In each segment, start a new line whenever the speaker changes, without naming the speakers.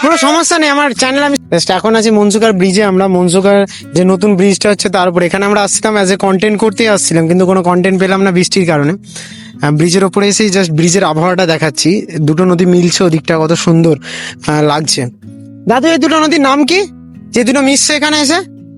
কোনো সমস্যা নেই, আমার চ্যানেল আমি এখন আছি মনসুকার ব্রিজে। আমরা মনসুকার যে নতুন ব্রিজটা হচ্ছে তার উপর, এখানে আমরা আসছিলাম অ্যাজ এ কন্টেন্ট করতেই আসছিলাম, কিন্তু কোনো কন্টেন্ট পেলাম না বৃষ্টির কারণে। ব্রিজের ওপরে এসেই জাস্ট ব্রিজের আবহাওয়াটা দেখাচ্ছি, দুটো নদী মিলছে, ওদিকটা কত সুন্দর লাগছে। দাদু এই দুটো নদীর নাম কি, যে দুটো মিশছে এখানে এসে?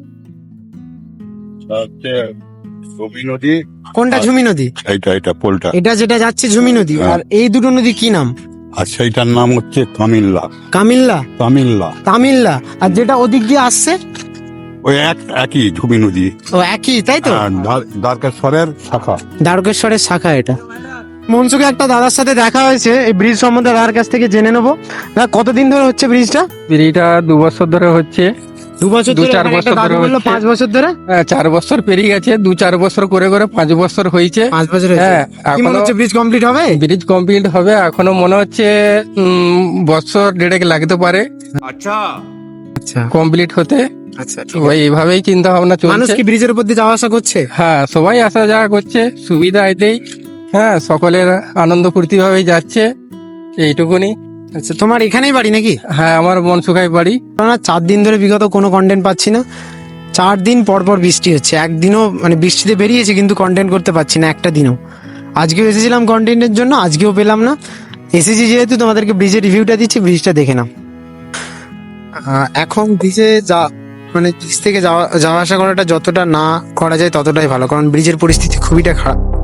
ঝুমি নদী,
কোনটা ঝুমি নদী?
এটা পোলটা,
এটা যেটা যাচ্ছে ঝুমি নদী। আর এই দুটো নদী কি নাম?
আর সেইটার নাম হচ্ছে তামিল্লা।
কামিল্লা,
তামিল্লা
তামিল্লা। আর যেটা ওদিক দিয়ে আসছে
ওই একই ঝুমি নদী,
ও একই, তাই তো?
দ্বারকেশ্বরের শাখা।
দ্বারকেশ্বরের শাখা এটা। মনসুকে একটা দাদার সাথে দেখা হয়েছে, এই ব্রিজ সম্বন্ধে দাদার কাছ থেকে জেনে নেবো। দাদা কতদিন ধরে হচ্ছে ব্রিজটা?
ব্রিজটা 2 বছর ধরে হচ্ছে।
2 বছর,
2-4 বছর ধরে হচ্ছে।
5 বছর ধরে।
4 বছর পেরিয়ে গেছে, 2-4 বছর করে করে 5 বছর হয়েছে।
5 বছর হয়েছে।
হ্যাঁ,
কি মনে হচ্ছে ব্রিজ কমপ্লিট হবে?
ব্রিজ কমপ্লিট হবে এখনো মনে হচ্ছে বছর 1.5 লাগতে পারে
আচ্ছা
কমপ্লিট হতে।
আচ্ছা,
ওই এইভাবেই চিন্তা ভাবনা
মানুষ
চলছে।
কি ব্রিজের উপর দিয়ে যাওয়া আসা করছে?
হ্যাঁ, সবাই আসা যাওয়া করছে, সুবিধা এতেই। হ্যাঁ, সকলের আনন্দ ফুর্তি ভাবেই যাচ্ছে, এইটুকুনি।
আচ্ছা, তোমার এখানেই বাড়ি নাকি?
হ্যাঁ, আমার মনসুখাই বাড়ি।
না, 4 দিন ধরে বিগত কোনো কন্টেন্ট পাচ্ছি না। 4 দিন পর পর বৃষ্টি হচ্ছে, একদিনও মানে বৃষ্টিতে বেরিয়েছি কিন্তু কন্টেন্ট করতে পারছি না একটা দিনও। আজকেও এসেছিলাম কন্টেন্টের জন্য, আজকেও পেলাম না। এসেছি যেহেতু তোমাদেরকে ব্রিজের রিভিউটা দিচ্ছি, ব্রিজটা দেখে নাও। এখন ব্রিজে মানে ব্রিজ থেকে যাওয়া আসা করাটা যতটা না করা যায় ততটাই ভালো, কারণ ব্রিজের পরিস্থিতি খুবইটা খারাপ।